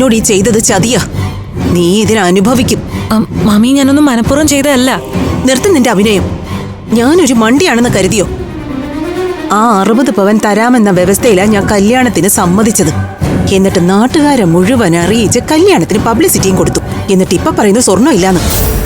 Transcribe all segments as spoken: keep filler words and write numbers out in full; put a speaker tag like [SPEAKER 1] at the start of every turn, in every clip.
[SPEAKER 1] നിന്നോട് ഈ ചെയ്തത് ചതിയാ. നീ ഇതിനെ അനുഭവിക്കും.
[SPEAKER 2] മാമി, ഞാനൊന്നും മനഃപൂർവ്വം ചെയ്തതല്ല.
[SPEAKER 1] നിർത്തി നിന്റെ അഭിനയം. ഞാനൊരു മണ്ടിയാണെന്ന് കരുതിയോ? ആ അറുപത് പവൻ തരാമെന്ന വ്യവസ്ഥയിലാ ഞാൻ കല്യാണത്തിന് സമ്മതിച്ചത്. എന്നിട്ട് നാട്ടുകാരെ മുഴുവൻ അറിയിച്ച് കല്യാണത്തിന് പബ്ലിസിറ്റിയും കൊടുത്തു. എന്നിട്ട് ഇപ്പൊ പറയുന്നു സ്വർണ്ണം ഇല്ലാന്ന്.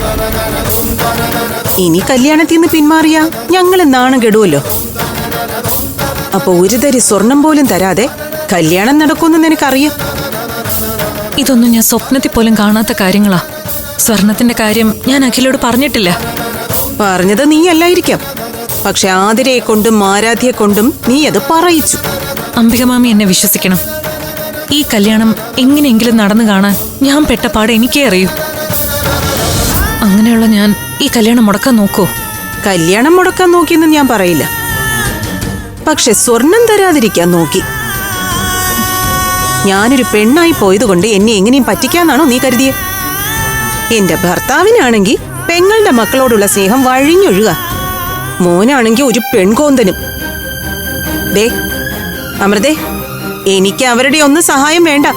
[SPEAKER 1] ഇനി കല്യാണത്തിൽ നിന്ന് പിന്മാറിയാ ഞങ്ങൾ നാണം കെടുവല്ലോ. അപ്പൊ ഒരു തരി സ്വർണം പോലും തരാതെ കല്യാണം നടക്കുമെന്ന് നിനക്കറിയാം.
[SPEAKER 2] ഇതൊന്നും ഞാൻ സ്വപ്നത്തിൽ പോലും കാണാത്ത കാര്യങ്ങളാ. സ്വർണത്തിന്റെ കാര്യം ഞാൻ അഖിലോട് പറഞ്ഞിട്ടില്ല.
[SPEAKER 1] പറഞ്ഞത് നീ അല്ലായിരിക്കാം, പക്ഷെ ആതിരയെ കൊണ്ടും ആരാധ്യയെ കൊണ്ടും നീ അത് പറയിച്ചു.
[SPEAKER 2] അംബിക മാമി എന്നെ വിശ്വസിക്കണം. ഈ കല്യാണം എങ്ങനെയെങ്കിലും നടന്നു കാണാൻ ഞാൻ പെട്ടപാട് എനിക്കേ അറിയൂ. അങ്ങനെയുള്ള ഞാൻ ഈ കല്യാണം മുടക്കാൻ നോക്കൂ?
[SPEAKER 1] കല്യാണം മുടക്കാൻ നോക്കിയെന്ന് ഞാൻ പറയില്ല, പക്ഷെ സ്വർണം തരാതിരിക്കാൻ നോക്കി. ഞാനൊരു പെണ്ണായി പോയതുകൊണ്ട് എന്നെ എങ്ങനെയും പറ്റിക്കാന്നാണോ നീ കരുതിയെ? എന്റെ ഭർത്താവിനാണെങ്കിൽ പെങ്ങളുടെ മക്കളോടുള്ള സ്നേഹം വഴിഞ്ഞൊഴുക, മോനാണെങ്കിൽ ഒരു പെൺകോന്തനും. ദേ അമൃതേ, എനിക്ക് അവരുടെ ഒന്നും സഹായം വേണ്ട.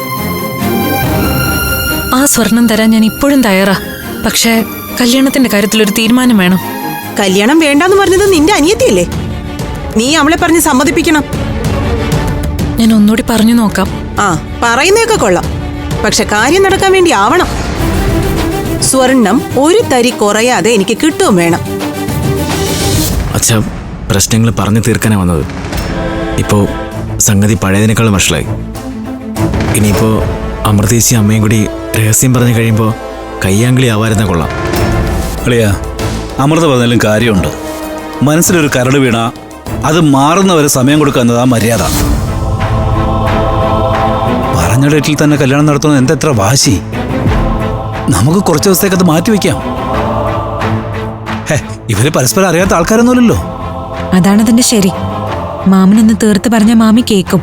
[SPEAKER 2] ആ സ്വർണം തരാൻ ഞാൻ ഇപ്പോഴും തയ്യാറാ. പക്ഷേ കല്യാണത്തിന്റെ കാര്യത്തിൽ ഒരു തീരുമാനം വേണം.
[SPEAKER 1] കല്യാണം വേണ്ടെന്ന് പറഞ്ഞത് നിന്റെ അനിയത്തിയല്ലേ? നീ അവളെ പറഞ്ഞ് സമ്മതിപ്പിക്കണം.
[SPEAKER 2] ഞാൻ ഒന്നുകൂടി പറഞ്ഞു നോക്കാം.
[SPEAKER 1] ആ, പറയുന്നതൊക്കെ കൊള്ളാം, പക്ഷെ കാര്യം നടക്കാൻ വേണ്ടി ആവണം. സ്വർണം ഒരു തരി കുറയാതെ എനിക്ക് കിട്ടുകയും വേണം.
[SPEAKER 3] അച്ഛാ, പ്രശ്നങ്ങൾ പറഞ്ഞു തീർക്കാനാ വന്നത്. ഇപ്പോ സംഗതി പഴയതിനേക്കാളും വഷളായി. ഇനിയിപ്പോ അമൃതേശി അമ്മയും കൂടി രഹസ്യം പറഞ്ഞു കഴിയുമ്പോ കയ്യാങ്കളി ആവാരുന്ന കൊള്ളാം.
[SPEAKER 4] അളിയാ, അമൃത പറഞ്ഞാലും കാര്യമുണ്ട്. മനസ്സിലൊരു കരട് വീണ അത് മാറുന്നവരെ സമയം കൊടുക്കുക എന്നതാ മര്യാദ. പറഞ്ഞ ഡേറ്റിൽ തന്നെ കല്യാണം നടത്തുന്നത് എന്താ എത്ര വാശി? നമുക്ക് കുറച്ച് ദിവസത്തേക്ക് അത് മാറ്റിവെക്കാം. ഹേ, ഇവര് പരസ്പരം അറിയാത്ത ആൾക്കാരൊന്നുമില്ലല്ലോ.
[SPEAKER 5] അതാണ് അതിന്റെ ശരി. മാമനൊന്ന് തീർത്ത് പറഞ്ഞ മാമി കേക്കും.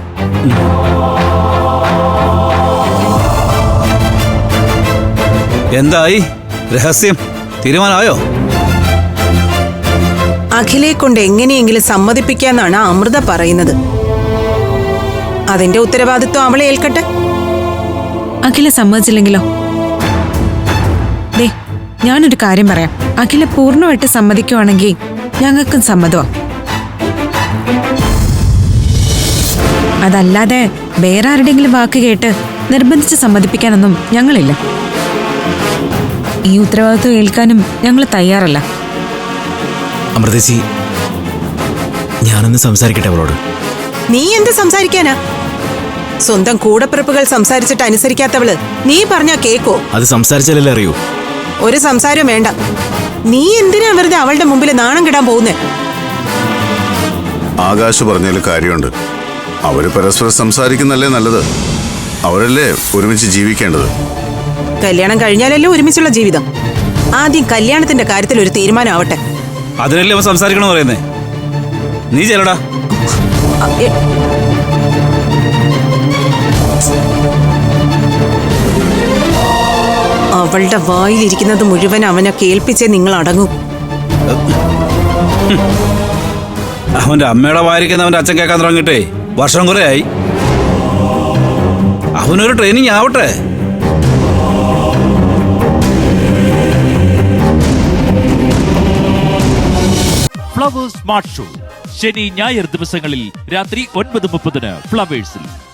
[SPEAKER 4] എന്തായി രഹസ്യം? തീരുമാനമായോ?
[SPEAKER 1] അഖിലെ കൊണ്ട് എങ്ങനെയെങ്കിലും സമ്മതിപ്പിക്കാന്നാണ് അമൃത പറയുന്നത്. അതിന്റെ ഉത്തരവാദിത്വം അവളെ ഏൽക്കട്ടെ.
[SPEAKER 5] അഖില സമ്മതിച്ചില്ലെങ്കിലോ? ദേ, ഞാനൊരു കാര്യം പറയാം. അഖില പൂർണ്ണമായിട്ട് സമ്മതിക്കുവാണെങ്കിൽ ഞങ്ങൾക്കും സമ്മതമാ. അതല്ലാതെ വേറെ ആരുടെങ്കിലും വാക്ക് കേട്ട് നിർബന്ധിച്ച് സമ്മതിപ്പിക്കാനൊന്നും ഞങ്ങളില്ല. ഈ ഉത്തരവാദിത്വം ഏൽക്കാനും ഞങ്ങൾ തയ്യാറല്ല.
[SPEAKER 3] അമൃതേശി, ഞാനൊന്ന് സംസാരിക്കട്ടെ അവളോട്.
[SPEAKER 1] നീ എന്ത് സംസാരിക്കാനാ? സ്വന്തം കൂടപ്പിറപ്പുകൾ സംസാരിച്ചിട്ട് അനുസരിക്കാത്തവള് നീ പറഞ്ഞാ കേക്കോ?
[SPEAKER 3] അത് സംസാരിച്ചാലല്ലേ അറിയൂ.
[SPEAKER 1] ഒരു സംസാരവും വേണ്ട. നീ എന്തിനാ വെറുതെ അവളുടെ മുമ്പിൽ നാണം കിടാൻ പോകുന്നേ?
[SPEAKER 6] ആകാശ് പറഞ്ഞാൽ കാര്യമുണ്ട്. അവര് പരസ്പരം സംസാരിക്കുന്നല്ലേ നല്ലത്. അവരല്ലേ ഒരുമിച്ച് ജീവിക്കേണ്ടത്.
[SPEAKER 1] കല്യാണം കഴിഞ്ഞാലല്ലേ ഒരുമിച്ചുള്ള ജീവിതം. ആദ്യം കല്യാണത്തിന്റെ കാര്യത്തിൽ ഒരു തീരുമാനമാവട്ടെ.
[SPEAKER 4] അതിനല്ലേ അവൻ സംസാരിക്കണമെന്ന് പറയുന്നേ. നീ ചെല്ലടാ.
[SPEAKER 1] അവളുടെ വായിലിരിക്കുന്നത് മുഴുവൻ അവനെ കേൾപ്പിച്ചേ നിങ്ങൾ അടങ്ങും.
[SPEAKER 4] അവന്റെ അമ്മയുടെ വായിരിക്കുന്ന അവന്റെ അച്ഛൻ കേൾക്കാൻ തുടങ്ങിയിട്ടേ വർഷം കുറെ ആയി. അവനൊരു ട്രെയിനിങ് ആവട്ടെ.
[SPEAKER 7] ഫ്ലവേഴ്സ് സ്മാർട്ട് ഷോ ശനി ഞായർ ദിവസങ്ങളിൽ രാത്രി ഒൻപത് മുപ്പതിന് ഫ്ലവേഴ്സിൽ.